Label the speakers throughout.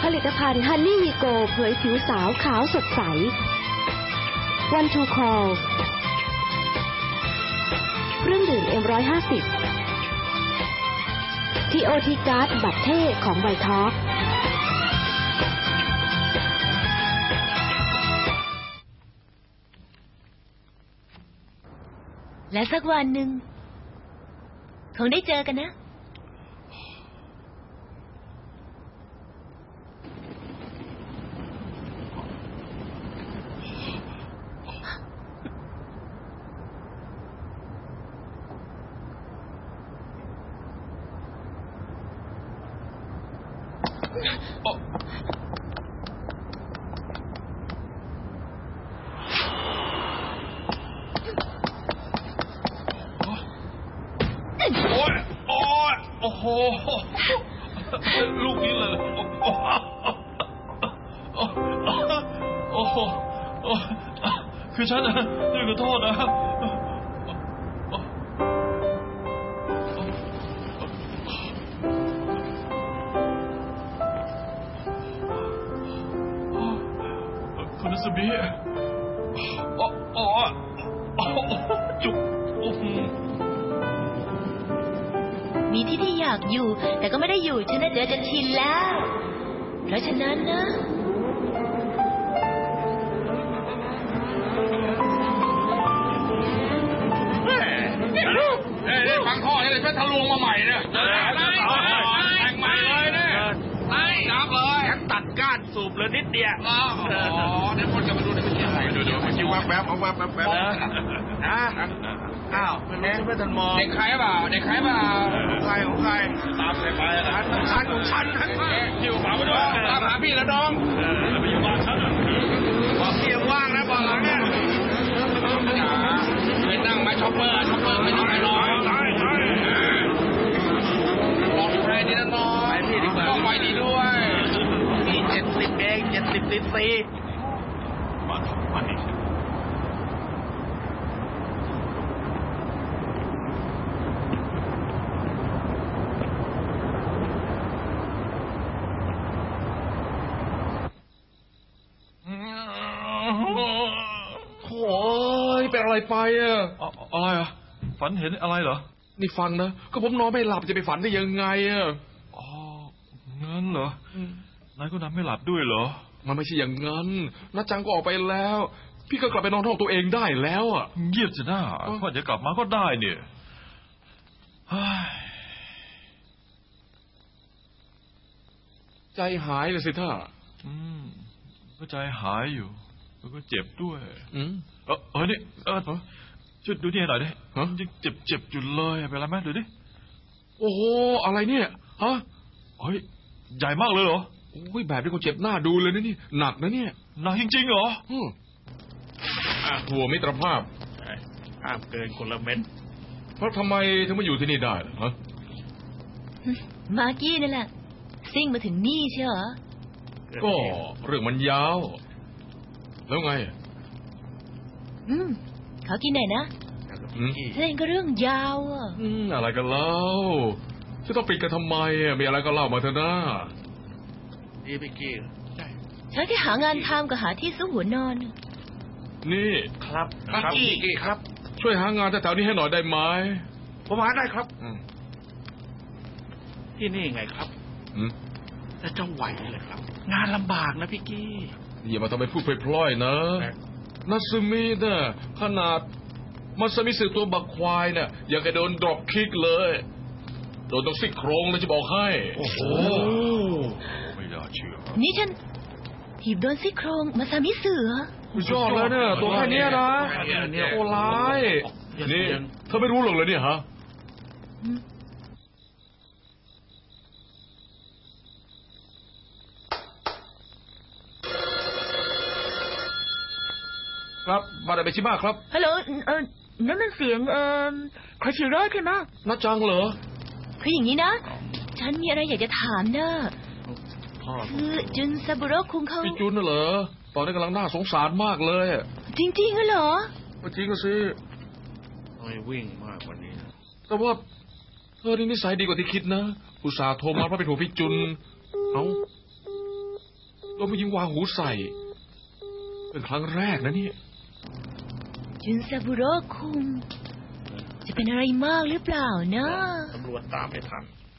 Speaker 1: ผลิตภัณฑ์ฮันนี่วีโกเผยผิวสาวขาวสดใสวันทูคอลเครื่องดื่ม M150 TOT การ์ดบัตรเท่ของไวท็อก
Speaker 2: และสักวันหนึ่งคงได้เจอกันนะ
Speaker 3: โอ้โหลูกนี้เลยโอ้โหคือฉันนะขอโทษนะคุณนัสบีจุก
Speaker 2: มีที่อยากอยู่แต่ก็ไม่ได้อยู่ฉันน่ะเจอจนชินแล้วเพราะฉะนั้นนะ
Speaker 4: ฟังข้อนี่เลยช่วยทะลวงมาใหม่เนี่ยแต่งใหม่เลยเนี่ยจับเลยฉันตัดก้านสูบเลยนิดเดียวเดี๋ยวคนจะมาดูในวิทยาลัยดูมันจิ้วแวบเอาแวบอ้าวไม่ทันมองเด็กใครเปล่าของใครตามใครไปนะของฉันอยู่ฝาไปด้วยตามหาพี่แล้วน้องไปอยู่บ้านฉันบอกเสียงว่างนะบอกหลังเนี่ยไปนั่งไหมช็อปเปอร์ไม่ต้องไปรอบอกใครดีนะน้องไปพี่ดีกว่าต้องไปดีด้วยมี70เอง70ซีซีมาดิเป็นอะไรไป
Speaker 3: อะไรฝันเห็นอะไรเหรอ
Speaker 4: นี่ฟังนะก็ผมนอนไม่หลับจะไปฝันได้ยังไง
Speaker 3: งั้นเหรอนายก็นอนไม่หลับด้วยเหรอ
Speaker 4: มันไม่ใช่อย่างนั้นน้าจังก็ออกไปแล้วพี่ก็กลับไปนอนห้องตัวเองได้แล้ว
Speaker 3: เงียบจะหน้าพ่อจะกลับมาก็ได้เนี่ย
Speaker 4: ใจหายเลยสิท่า
Speaker 3: ก็ใจหายอยู่แล้วก็เจ็บด้วยนี่ช่วยดูนี่หน่อยดิยังเจ็บอยู่เลยเป็นไรไหมดูดิ
Speaker 4: โอ้โหอะไรเนี่ย
Speaker 3: เฮ้ยใหญ่มากเลยเหรอ
Speaker 4: โอ้ยแบบนี้คงเจ็บหน้าดูเลยนะนี่หนักนะเนี่ย
Speaker 3: หนักจริงๆเหรอ
Speaker 4: หัวมิตรภาพ
Speaker 5: ห้ามเกินคนละเม็ด
Speaker 4: เพราะทำไมถึงมาอยู่ที่นี่ได้
Speaker 2: มากี้นั่นแหละซิ่งมาถึงนี่ใช่เหรอ
Speaker 4: ก็เรื่องมันยาวแล้วไง
Speaker 2: เขากินไหนนะเล่นก็เรื่องยาว
Speaker 4: อะไรกันเล่าจะต้องปิดกันทำไมมีอะไรก็เล่ามาเถอะนะ
Speaker 5: นี่พี่กี้
Speaker 2: ฉันที่หางานทำกับหาที่ซุกหัวนอน
Speaker 4: นี่
Speaker 5: ครับพี่กี้ครับ
Speaker 4: ช่วยหางานแถวๆนี้ให้หน่อยได้ไหม
Speaker 5: ผมหาได้ครับที่นี่ไงครับแล้วจะไหวเลยครับงานลำบากนะพี่กี้
Speaker 4: อย่ามาทำเป็นพูดพล่อยๆนะนัสมิเนี่ยขนาดมัสมิสึตัวบักควายเนี่ยยังกระโดนดรอปคิกเลยโดนต้องซี่โครงเลยจะบอกให้
Speaker 3: โอ้โหไม่น่าเชื่อ
Speaker 2: นี่ฉันถีบโดนซี่โครงมัสมิสึ
Speaker 4: ยอดแล้วเนี่ยตัวแค่นี้นะโอ้ร้ายนี่เธอไม่รู้หรอกเลยเนี่ยฮะครับมาได้ไปชิมาครับ
Speaker 2: ฮัลโหลนั่นมันเสียงคาชิโร่ใช่ไหม
Speaker 4: น่าจังเหรอ
Speaker 2: คืออย่างนี้นะฉันมีอะไรอยากจะถามนะคือจุนซาบุโร่คุงเขา
Speaker 4: พี่จุนน่ะเหรอตอนนี้กำลังน่าสงสารมากเลย
Speaker 2: จริงๆเหรอ
Speaker 4: จริงสิ
Speaker 5: ไม่วิ่งมากกว่านี้
Speaker 4: แต่ว่าเธอนี่นิสัยดีกว่าที่คิดนะอุตส่าห์โทรมาเพราะเป็นห่วงพี่จุนเราไม่ยิงวางหูใส่เป็นครั้งแรกนะเนี่ย
Speaker 2: จุนซาบุโร่คุงจะเป็นอะไรมากหรือเปล่านะ
Speaker 5: ตำรวจตามไม่ทัน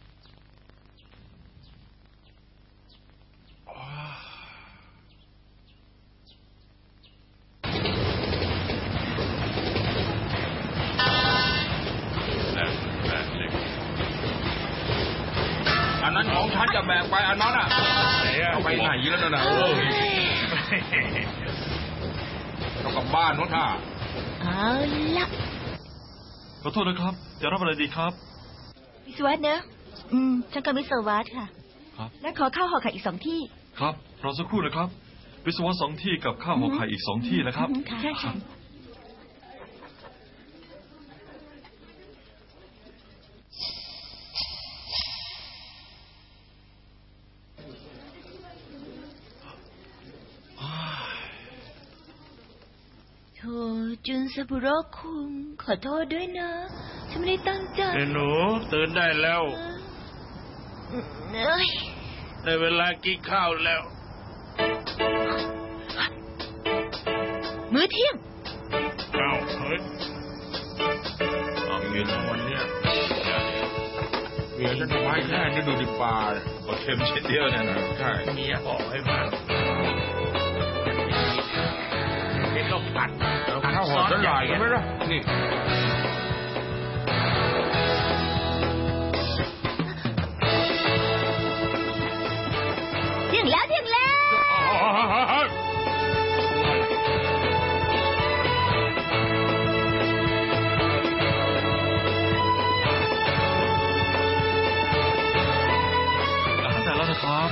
Speaker 4: อันนั้นของฉันจะแบ่งไปอันนั้นอ่ะเอาไปไหนแล้วนะเอากลับบ้านนู้นท่า
Speaker 2: เอาละ
Speaker 3: ขอโทษนะครับจะรับอะไรดีครับ
Speaker 2: วิศวะเนอะฉันก็วิศวะค่ะ
Speaker 3: ครับ
Speaker 2: และขอข้าวห่อไข่อีก2 ที่
Speaker 3: ครับรอสักครู่นะครับวิศวะ2 ที่กับข้าวห่อไข่อีก2 ที่นะครับ
Speaker 2: ค่ะโธ่จุนซาบุโร่คุงขอโทษด้วยนะฉันไม่ได้ตั้งใจ
Speaker 5: หนูตื่นได้แล้วได้เวลากินข้าวแล้ว
Speaker 2: มื้อเที่ยง
Speaker 5: เฮ้ยกินวันนี้
Speaker 4: เมียฉันทำให้แค่นี้ดูดิปลา
Speaker 3: ก็เค็มเช่นเดียวเนี่ยนะ
Speaker 5: ใช่เมียบอกให้มาเป็นข้าวผัด
Speaker 4: ข้าวหอมละลายใช่ไหมล่ะนี่
Speaker 2: เที่ยงแล้ว
Speaker 3: อาหารแต่แล้วนะครับ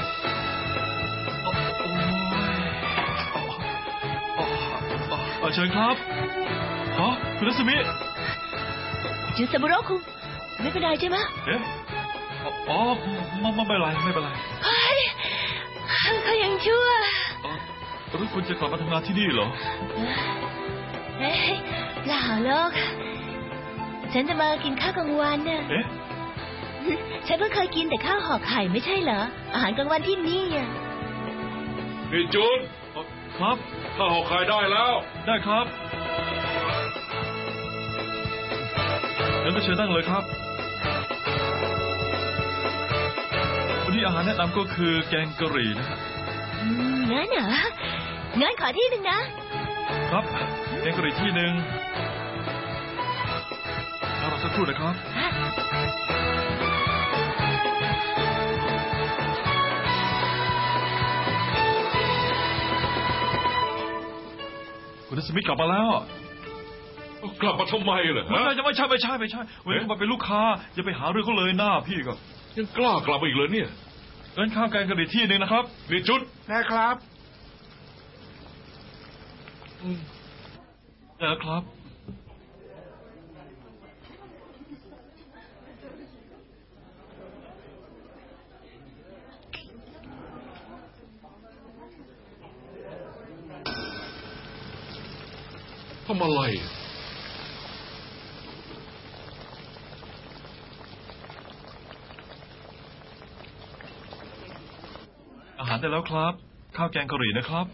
Speaker 3: เชิญครับคุณรัศมี
Speaker 2: จุนซาบุโร่คุงไม่เป็นไรใช่ไหม
Speaker 3: เอ๊ะไม่เป็นไร
Speaker 2: เขายังชั่ว
Speaker 3: หรือคุณจะกลับมาทำงานที่นี่เหรอ
Speaker 2: เปล่าหรอกฉันจะมากินข้าวกลางวันน่ะ
Speaker 3: เอ๊ะ
Speaker 2: ฉันเพิ่งเคยกินแต่ข้าวห่อไข่ไม่ใช่เหรออาหารกลางวันที่นี่อ่ะ
Speaker 4: นี่จุน
Speaker 3: ครับ
Speaker 4: ข้าวห่อไข่ได้แล้ว
Speaker 3: ได้ครับงั้นก็เชิญนั่งเลยครับวันนี้อาหารแนะนำก็คือแกงกะหรี่นะ
Speaker 2: งั้นเหรองั้นขอที่หนึ่งนะครับ
Speaker 3: แกงกะหรี่ที่หนึ่งรอสักครู่นะครับคุณสมิธกลับมาแล้ว
Speaker 4: กลับมาทำไมเหรอ
Speaker 3: ไม่ใช่วันนี้มาเป็นลูกค้าอย่าไปหาเรื่องเขาเลยหน้าพี่ก็
Speaker 4: ยังกล้ากลับมาอีกเลยเนี่ย
Speaker 3: เอิ้นข้าวแกงกะหรี่ที่หนึ่งนะครับ
Speaker 4: นี่จุด
Speaker 5: ได้ครับ
Speaker 3: ได้แล้วครับ
Speaker 4: ทำอะไร
Speaker 3: อาหารได้แล้วครับข้าวแกงกะหรี่นะครับ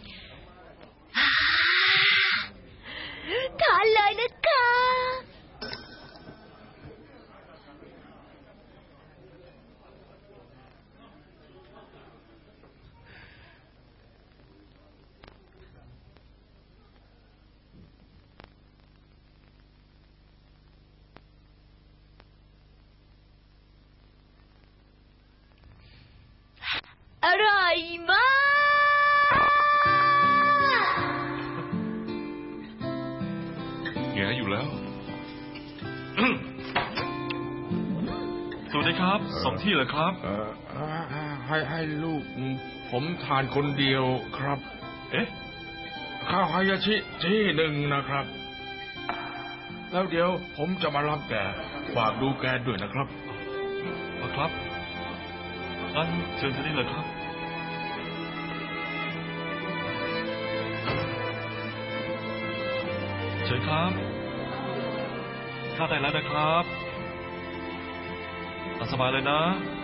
Speaker 2: ทานเลยนะคะอร่อยมาก
Speaker 4: แกอยู่แล้ว
Speaker 3: สวัสดีครับ2 ที่เหรอครับ
Speaker 4: ให้ลูกผมทานคนเดียวครับ
Speaker 3: เอ๊ะ
Speaker 4: ข้าวฮายาชิที่หนึ่งนะครับแล้วเดี๋ยวผมจะมารับแกฝากดูแกด้วยนะครับ
Speaker 3: ครับงั้นเชิญที่นี่เลยครับเชิญครับข้าวได้แล้วนะครับตามสบายเลยนะ